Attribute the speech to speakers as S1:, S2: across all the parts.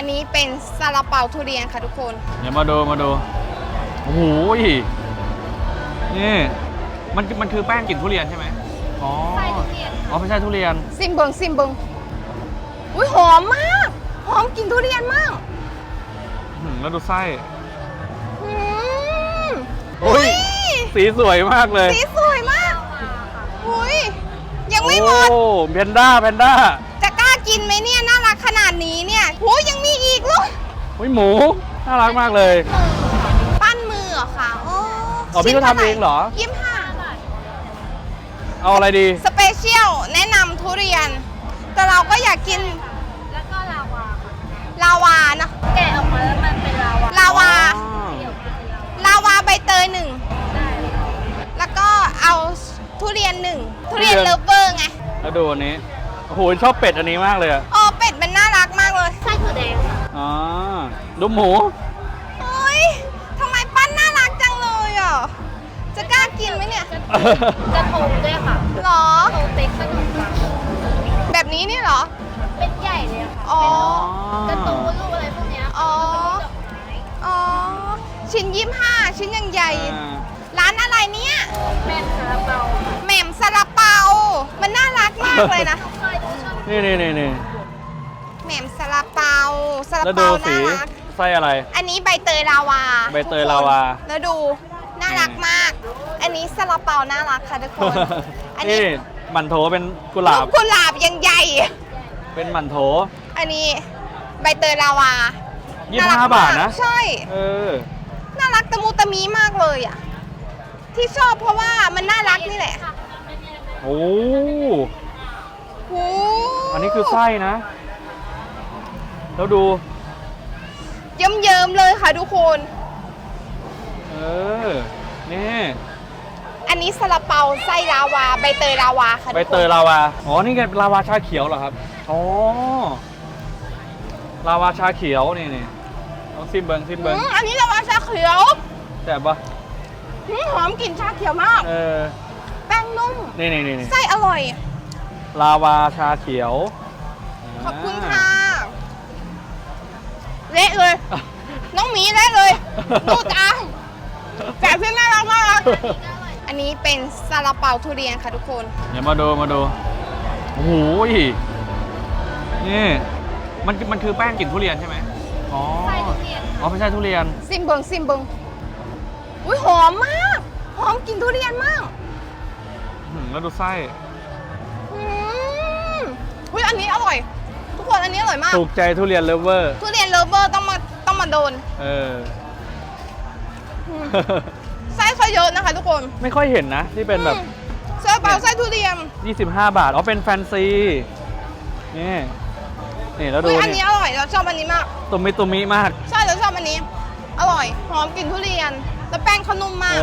S1: นี้เป็นซาลาเปาทุเรียนค่ะทุกคน
S2: เดี๋ยวมาดูโอ้โหนี่มันคือแป้งกลิ่นทุเรียนใช่ไหมอ๋อใช่ทุเรียนอ๋อไม่ใช่ทุเรียน
S1: ซิมเบิงอุ้ยหอมมากหอมกลิ่นทุเรียนมาก
S2: แล้วดูไส้โอ้ยสีสวยมากเลย
S1: สีสวยมากอุ้ยยังไม่หมด
S2: โอ้แพนด้า
S1: จะกล้ากินไหมเนี่ยน่ารักขนาดนี้เนี่ยโหยังมีอีกลูก
S2: อุ้ยหมูน่ารักมากเลย
S1: ปั้นมือเหรอคะ
S2: อ๋อพี่ก็ทำเองเหรอ
S1: 25 บาท
S2: เอาอะไรดี
S1: สเปเชียลแนะนำทุเรียนแต่เราก็อยากกิน
S3: แล้วก็ลาวา
S1: นะ
S3: แกะออกมาแล้วมันเป็นล
S1: าวาใบเตย1แล้วก็เอาทุเรียน1ทุเรียนเลิฟเวอร์ไง
S2: แล้วดูอันนี้โอ้โหชอบเป็ดอันนี้มากเลย
S1: อ๋อเป็ดมันน่ารักมากเลย
S3: ไส้ถั่วแดง
S2: อ๋อดูหมู
S1: เฮ้ยทำไมปั้นน่ารักจังเลยอ่ะจะกล้ากินไหมเนี่ย
S3: กระทงด้วยค่ะ
S1: หรอ
S3: โตเต็กขนมปัง
S1: แบบนี้นี่เหรอ
S3: เป็นใหญ่เลยค่ะ
S1: อ๋
S3: อกระตูนลูกอะไรพวกนี้
S1: อ๋อชิ้น25ชิ้นยังใหญ่ร้านอะไรเนี่ย
S3: แหม่มซาลาเปา
S1: แหม่มซาลาเปามันน่ารักมากเลยนะ
S2: นี่
S1: แหม่มซาลาเปา
S2: แล้วดูสีไส้อะไร
S1: อันนี้ใบเตยลาวาแล้วดูน่ารักมากอันนี้ซาลาเปาน่ารักค่ะทุกคน
S2: อันนี้หมั่นโถเป็นกุหลาบ
S1: ยังใหญ่
S2: เป็นหมั่นโถ
S1: อันนี้ใบเตยลาวา
S2: 25 บาทนะ
S1: ใช่น่ารักตะมูตะมีมากเลยอ่ะที่ชอบเพราะว่ามันน่ารักนี่แหละ
S2: โอ้
S1: โห
S2: อันนี้คือไส้นะแล้วดู
S1: เยิ้มเลยค่ะทุกคน
S2: นี่
S1: อันนี้ซาลาเปาไส้ลาวาใบเตยลาวาค่ะ
S2: ใบเตยลาวาอ๋อนี่ไงลาวาชาเขียวเหรอครับอ๋อลาวาชาเขียวนี่ต้องซิมเบิง
S1: อันนี้ลาวาชาเขียว
S2: แซ่บปะ
S1: หอมกลิ่นชาเขียวมากแป้งนุ่ม
S2: นี่
S1: ไส้อร่อย
S2: ลาวาชาเขียว
S1: ขอบคุณค่ะเละเลยน้องหมีเละเลยดูจ้าแต่ที่น่ารักมากอันนี้เป็นซาลาเปาทุเรียนค่ะทุกคน
S2: เดี๋ยวมาดูโอ้โหนี่มันคือแป้งกลิ่นทุเรียนใช่ไหมอ๋อ
S3: ไส้ทุเรียน
S2: อ๋อไม่ใช่ทุเรียน
S1: ซิมเบิงอุ้ยหอมมากหอมกลิ่นทุเรียนมาก
S2: แล้วดูไส้
S1: อุ้ยอันนี้อร่อยทุกคนอันนี้อร่อยมาก
S2: ถูกใจทุเรียนเลิฟเวอร์
S1: ต้องมาโดนไส้เขาเยอะนะคะทุกคน
S2: ไม่ค่อยเห็นนะที่เป็นแบบ
S1: ซาลาเปาไส้ทุเรียน
S2: 25 บาทอ๋อเป็นแฟนซีนี่แล้วดู
S1: อันนี้อร่อยเราชอบอันนี้มาก
S2: ตุมิมาก
S1: ใช่เราชอบอันนี้อร่อยหอมกลิ่นทุเรียนแล้วแป้งเขานุ่มมาก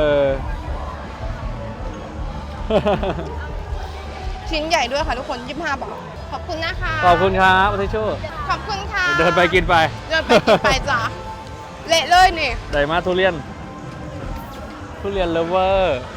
S1: ชิ้นใหญ่ด้วยค่ะทุกคน25 บาทขอบคุณนะคะ
S2: ขอบคุณครับทิชชู่
S1: ขอบคุณค่ะ
S2: เดินไปกินไป
S1: จ้ะเละเลยนี่
S2: ไดมาทุเรียนเลิฟเวอร์